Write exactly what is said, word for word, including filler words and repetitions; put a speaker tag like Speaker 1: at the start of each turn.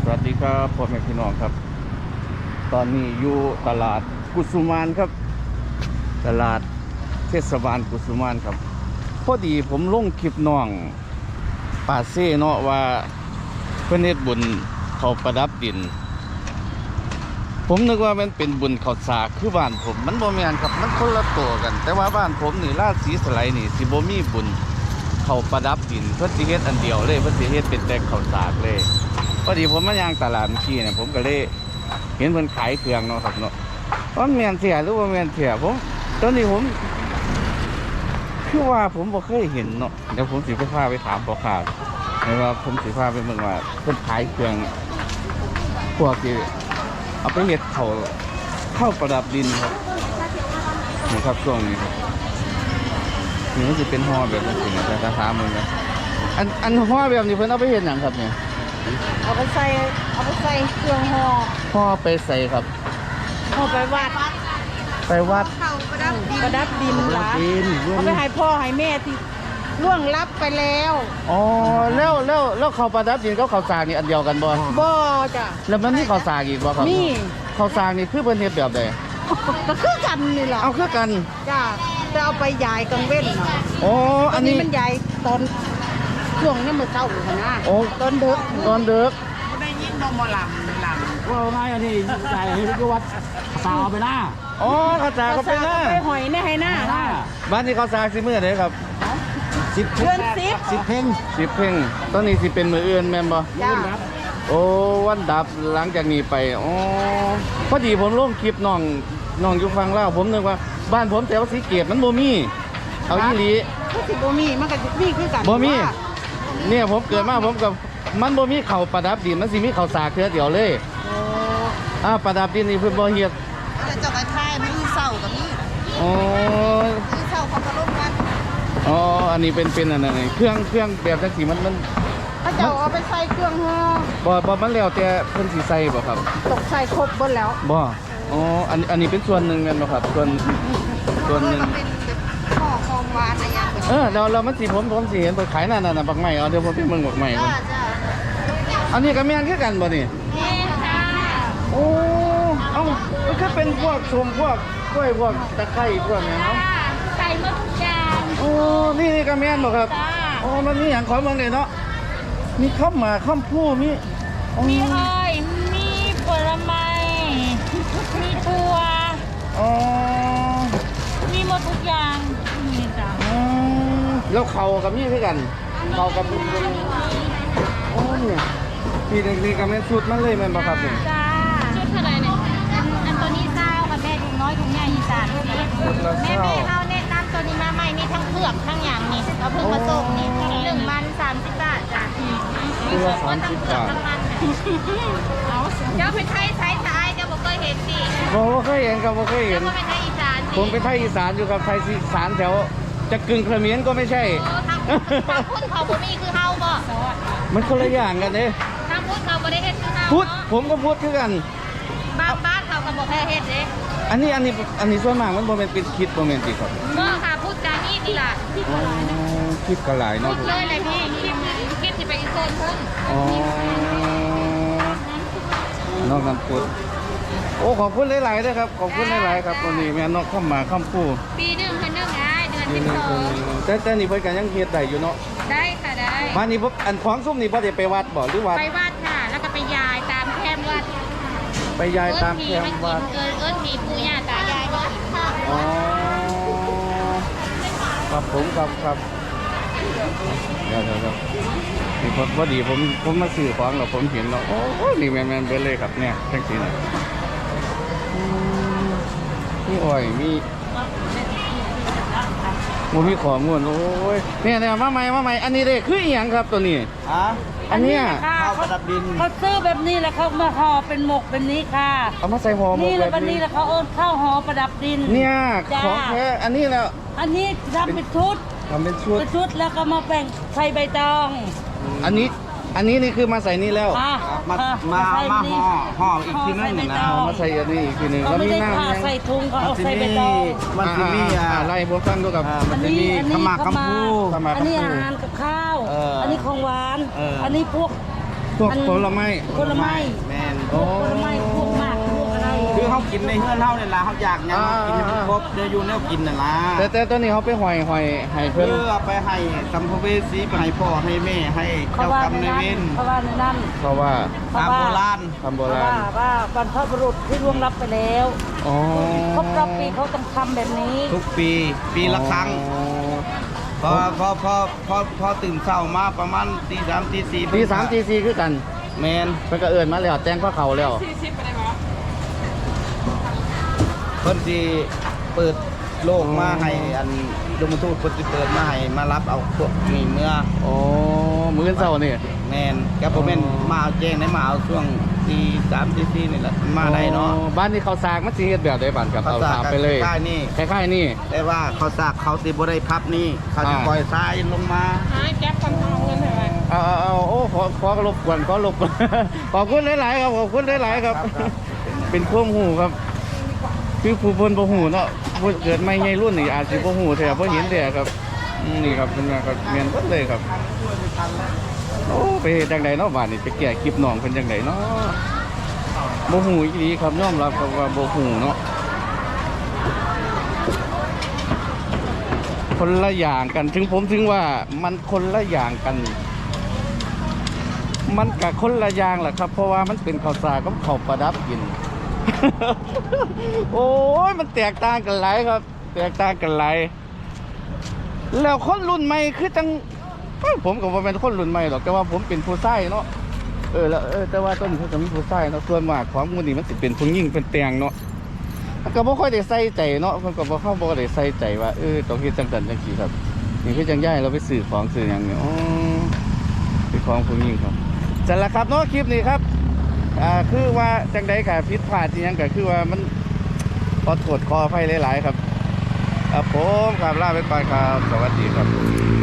Speaker 1: สวัสดีครับพ่อแม่พี่น้องครับตอนนี้อยู่ตลาดกุสุมานครับตลาดเทศบาลกุสุมานครับพอดีผมลงคลิปน้องป่าเซ่เนาะว่าเพื่อนเฮ็ดบุญเขาประดับดินผมนึกว่ามันเป็นบุญข้าวสากคือบ้านผมมันบ่แม่นครับมันคนละตัวกันแต่ว่าบ้านผมนี่ราชสีสไลนี่สิบ่มีบุญเขาประดับดินเพื่อสิเฮ็ดอันเดียวเลยเพื่อสิเฮ็ดเป็นแต่ข้าวสากเลยพอดีผมมาย่างตลาดเมื่อกี้เนี่ยผมก็เลยเห็นเพิ่นขายเครื่องเนาะครับเนาะว่าแม่นเสียหรือว่าแม่นเสียผมตอนนี้ผมคือว่าผมบ่เคยเห็นเนาะเดี๋ยวผมสิไปพาไปถามพ่อค้าหรือว่าผมสิพาไปเบิ่งว่าเพิ่นขายเครื่องพวกที่เอาไปเฮ็ดเขาเข้าประดับดินครับนี่ครับช่วงนี้ครับนี่มันจะเป็นห่อแบบนี้นะแต่ถามมึงนะอันอันห่อแบบนี้เพิ่นเอาไปเฮ็ดหยังครับเนี่ย
Speaker 2: เอาไปใส่เอาไปใส่เครื่องห่อ
Speaker 1: ห่อไปใส่ครับ
Speaker 2: ห่อไปวัด
Speaker 1: ไปวัด
Speaker 2: ประดับดินประดับดินหลาเอาไปให้พ่อให้แม่ที่ล่วงลับไปแล้ว
Speaker 1: อ๋อแล้วแล้วแล้วเขาประดับดินกับข้าวสากนี่อันเดียวกันบ่
Speaker 2: บ่จ้ะ
Speaker 1: แล้วมันมีข้าวสากอีกบ่ครับ
Speaker 2: นี่
Speaker 1: ข้าวสากนี่คือเพิ่นเฮ็ดแบบใด
Speaker 2: ก็คือกันนี่ล่ะ
Speaker 1: เอาคือกัน
Speaker 2: จ้ะจะเอาไปยายกังเว้นเนาะ
Speaker 1: อ๋ออันนี้
Speaker 2: มันยายตอนช่วงนี้มื้อเช้าหั่นนะ
Speaker 1: โอ้
Speaker 2: ตอนดึก
Speaker 1: ตอนดึก
Speaker 2: บ่ได้ยินนมบ่ลำลำ
Speaker 3: ว่าไงอันนี้ใจที่วัดสาวไปหน้า
Speaker 1: อ๋อข้าวสากก็ไปหน้า
Speaker 2: ไปหอยในให้หน้า
Speaker 1: บ้านนี้ข้าวสากสิมื้อใดครับ
Speaker 3: สิบ
Speaker 2: เดือนสิบ
Speaker 3: สิบเพ่ง
Speaker 1: สิบเพ่งตอนนี้สิเป็นมื้ออื่นแม่นบ่
Speaker 2: จ้ะ
Speaker 1: โอ้วันดับหลังจากนี้ไปอ๋อพอดีผมลงคลิปน้องน้องอยู่ฟังเล่าผมนึกว่าบ้านผมแถวสีเกตมันบ่มีเอาอีหลี
Speaker 2: ก็สิบ่มีมันก็มีคือกัน
Speaker 1: บ่มีเนี่ยผมเกิดมาผมกับมันบ่มีเขาประดับดินมันสิมีเขาสากเทื่อเดียวเลย
Speaker 2: โอ้
Speaker 1: อ่าประดับดินนี่เพิ่นบ่เฮ็ด
Speaker 2: แล้วเจ้าก็ทายมื้อเช้าก็มี
Speaker 1: อ๋อ
Speaker 2: มื้อเช้าเขาก็ลงกัน
Speaker 1: อ๋ออันนี้เป็นเป็นอันนั้นเครื่องเครื่องแบบจังซี่มันมัน
Speaker 2: ถ้าเจ้าเอาไปใส่เครื่องห่อ
Speaker 1: บ่บ่มันแล้วแต่เพิ่นสิใส่บ่ครับ
Speaker 2: ตกใส่ครบเบิดแล้ว
Speaker 1: บ่อ๋ออันอันนี้เป็นส่วนหนึ่งแม่นบ่ครับส่วนส่วนหนึ่ง
Speaker 2: ห่อของหวานอะไรอย่างเงี้ย
Speaker 1: เออแล้วแล้วมันสิผมผมสิเห็นเพิ่นขายนั่นน่ะบักไม้เอาเดี๋ยวผมไปเบิ่งบักไม้ก่อนอันนี้ก็แม่นคือกันบ่นี่
Speaker 2: แม่นค่ะ
Speaker 1: โอ้เอ้ามันก็เป็นพวกชมพวกกล้วยพวกตะไคร้พวกนี้เนาะ
Speaker 2: ใส่หมดทุกอย่าง
Speaker 1: โอ้นี่นี่ก็แม่นบ่ครับโอ้มันมีหยังขอเมืองได้เนาะมีข้าวหมากข้าวผู้มี
Speaker 2: มีอ้อยมีผลไม้มีถั่ว
Speaker 1: อ๋อ
Speaker 2: มีหมดทุกอย่างนี่จ้ะ
Speaker 1: แล้วเขากับมีคือกันเขากับโอ้เนี่ยพี่นี่ก็แม่นสุดมันเลยแม่นบ่ครับนี่
Speaker 2: จ้าชุดเท่าไหร่เนี่ยอันอันตัวนี้เศร้าค่ะแม่ถุงน้อยถุงใหญ่อีสานนี่แม่แม่เอาแนะนำตัวนี้มาใหม่นี่ทั้งเผือกทั้งอย่างนี่เราเพิ่งมาส่งนี่หนึ่งมันสามสิบบาทจ้ะ
Speaker 1: ตัวสามสิบบาท
Speaker 2: เอาเจ้าเป็นไทยไทยไทยเจ้าบอกเคยเห็นสิ
Speaker 1: บ่เคยเห็นครับบ่เคยเห็น
Speaker 2: เจ้าเป็นไทยอีสาน
Speaker 1: ผมเป็นไทยอีสานอยู่ครับไทยอีสานแถวจะกึ่งเขมรก็ไม่ใช่
Speaker 2: ทางทางพุทธเขาบ่มีคือเฮาบ่
Speaker 1: มันคนละอย่างกันเด้
Speaker 2: ทางพุทธเขาบ่ได้เฮ็ดคือเฮา
Speaker 1: พุทธผมก็พุทธคือกัน
Speaker 2: บางบ้านเขาก็บ่แค่เฮ็ดเด้
Speaker 1: อันนี้อันนี้อันนี้ส่วนมากมันบ่แม่นเป็นคิดบ่แม่นติครับ
Speaker 2: บ่ค่ะพุทธจานี่นี่ล่ะ
Speaker 1: คิดก็หลายเนาะ
Speaker 2: พุทธเลยเลยพี่คิดคิดสิไปอีกโซนพุ่น
Speaker 1: อ๋อนอกนั้นพุทธโอ้ขอบคุณหลายๆด้วยครับขอบคุณหลายๆครับวันนี้แม่นกเข้ามาข้ามผู้
Speaker 2: ปีหนึ่งเพิ่นนึงได้เดือนที่สอง
Speaker 1: แต่แต่นี่เพิ่นก็ยังเฮ็ดได้อยู่เนาะ
Speaker 2: ได้ค่ะได้
Speaker 1: มานี่พวกอันของซุ่มนี่บ่ได้ไปวัดบ่หรือวัด
Speaker 2: ไปวัดค่ะแล้วก็ไปยายตามแคมวัด
Speaker 1: ไปยายตามแคมวัด
Speaker 2: เอิ้นเอิ้นผีปู่ย่าตายายก็กิน
Speaker 1: อ๋อครับผมครับครับเดี๋ยวเดี๋ยวนี่พอพอดีผมผมมาซื้อของแล้วผมเห็นแล้วโอ้นี่แม่นๆเบิดเลยครับเนี่ยจังซี่น่ะมีอ้อยมีโมมีของงวนโอ้ยเนี่ยเนี่ยมาใหม่มาใหม่อันนี้เด้คืออีหยังครับตัวนี้
Speaker 3: อ่ะ
Speaker 1: อันเนี้ย
Speaker 3: ข้าวประดับดิน
Speaker 2: เขาซื้อแบบนี้แล้วเขามาห่อเป็นหมกเป็นนี้ค่ะ
Speaker 1: เอามาใส่ห่อหมก
Speaker 2: นี่แล้วแบบนี้แล้วเขาเอาข้าวห่อประดับดิน
Speaker 1: เนี่ยของแท้อันนี้แล้ว
Speaker 2: อันนี้ทำเป็นชุด
Speaker 1: ทำเป็นชุด
Speaker 2: เป็นชุดแล้วก็มาแบ่งใส่ใบตอง
Speaker 1: อันนี้อันนี้นี่คือมาใส่นี่แล้ว
Speaker 3: มามามาห่อห่ออีกทีนึงนะ
Speaker 1: มาใส่อันนี้อีกทีนึง
Speaker 2: แล้วมีน้ำใส่ถุงเขาเอาใส่ใบตอง
Speaker 3: มันจะมี
Speaker 1: อะไรพวกฟังดูกับ
Speaker 3: มันจะมีขมักขมู
Speaker 2: อันนี้อาหารกับข้าวอันนี้ของหวานอันนี้พวก
Speaker 1: พวกผลไม้
Speaker 4: ผลไม้
Speaker 3: แมน
Speaker 1: โอ้
Speaker 4: ผลไม้พวกหมากพวกอะไร
Speaker 3: คือเขากินในเฮือนเฮาเนี่ยล่ะเขาอยากหยังเขากินให้มันครบเดี๋ยวอยู่แนวกินน่ะล่ะ
Speaker 1: แต่แต่ตัวนี้เขาไปหอยหอยให้เพิ่น
Speaker 3: เพื่อไปให้สัมภเวสีไปให้พ่อให้แม่ให้
Speaker 4: เขา
Speaker 3: เจ้า
Speaker 4: ว่าก
Speaker 3: รรม
Speaker 4: ใน
Speaker 3: นาย
Speaker 4: นั้
Speaker 3: เวน ร
Speaker 4: เขาว่าในนั้น
Speaker 1: เพราะว่า
Speaker 3: ตามโบราณ
Speaker 1: ทำโบ
Speaker 4: เพราะ
Speaker 1: รา
Speaker 4: ว่า
Speaker 1: ณ
Speaker 4: ว่าบรรพบุรุษที่ล่วงลับไปแล้ว
Speaker 1: อ๋อ
Speaker 4: ครบรอบปีเขาต้องทำแบบนี้
Speaker 3: ทุกปีปีละครั้ง พอพอพอพอพอตื่นเช้ามาประมาณตีสามตีสี่
Speaker 1: ตีสามตีสี่คือกัน
Speaker 3: แมน
Speaker 1: เพิ่นก็เอิ้นมาแล้วแจ้งข้อเขาแล้ว
Speaker 3: เพิ่นสิเปิดโลกมาให้อันดมทูตเพิ่นสิเปิดมาให้มารับเอาพวกนี้เมื่อ
Speaker 1: อ๋อมื้อเช้านี่
Speaker 3: แมนก็บ่แม่นมาเอาแจ้งได้มาเอาช่วงตีสามตีสี่นี่แหละมาได้เนาะ
Speaker 1: อ๋อบ้านนี้เขาสากมันสิเฮ็ดแบบใดบ้านครับเอาถามไปเลย
Speaker 3: ใกล้ๆนี่
Speaker 1: คล้ายๆนี่
Speaker 3: แต่ว่าเขาสากเขาสิบ่ได้พับนี่เขาสิ
Speaker 1: อ่า
Speaker 3: ปล่อยทรายลงมา
Speaker 1: เอาเอาเอาโอ้ขอขอรบกวนขอรบกวน ขอบคุณหลายๆครับขอบคุณหลายๆครับ เป็นความหูครับ คือผู้เพิ่นบ่หูเนาะผู้เกิดใหม่ใหญ่รุ่นนี่อาจสิบ่หูแท้บ่เห็นแท้ครับอืมนี่ครับเป็นว่าก็แม่นเบิดเลยครับโอ้ไปเฮ็ดจังไดเนาะบ้านนี้ไปแก้คลิปน้องเพิ่นจังไดเนาะบ่หูอีหลีครับยอมรับครับว่าบ่หูเนาะคนละอย่างกันถึงผมถึงว่ามันคนละอย่างกัน มันกับคนละอย่างแหละครับ เพราะว่ามันเป็นข้าวสารกับข้าวประดับกิน โอ้ยมันแตกต่างกันหลายครับ แตกต่างกันหลายแล้วคนรุ่นใหม่คือจังเอ้ยผมก็บ่เป็นคนรุ่นใหม่หรอกแต่ว่าผมเป็นผู้ชายเนาะเออแล้วเออแต่ว่าต้นเขาจะมีผู้ชายเนาะส่วนมากของหมันนี่มันสิเป็นผู้หญิงเป็นแตงเนาะมันก็บ่ค่อยได้ใส่ใจเนาะมันก็บ่เข้าบ่ได้ใส่ใจว่าเออต้องเฮ็ดจังซั่นจังซี่ครับนี่คือจังย้ายเราไปซื้อของซื้อหยังเนี่ยอ๋อเป็นของผู้หญิงครับจังละครับเนาะคลิปนี้ครับอ่าคือว่าจังใดก็ผิดพลาดอีหยังก็คือว่ามันขอโทษขออภัยหลายๆครับครับผมครับลาไปก่อนครับสวัสดีครับ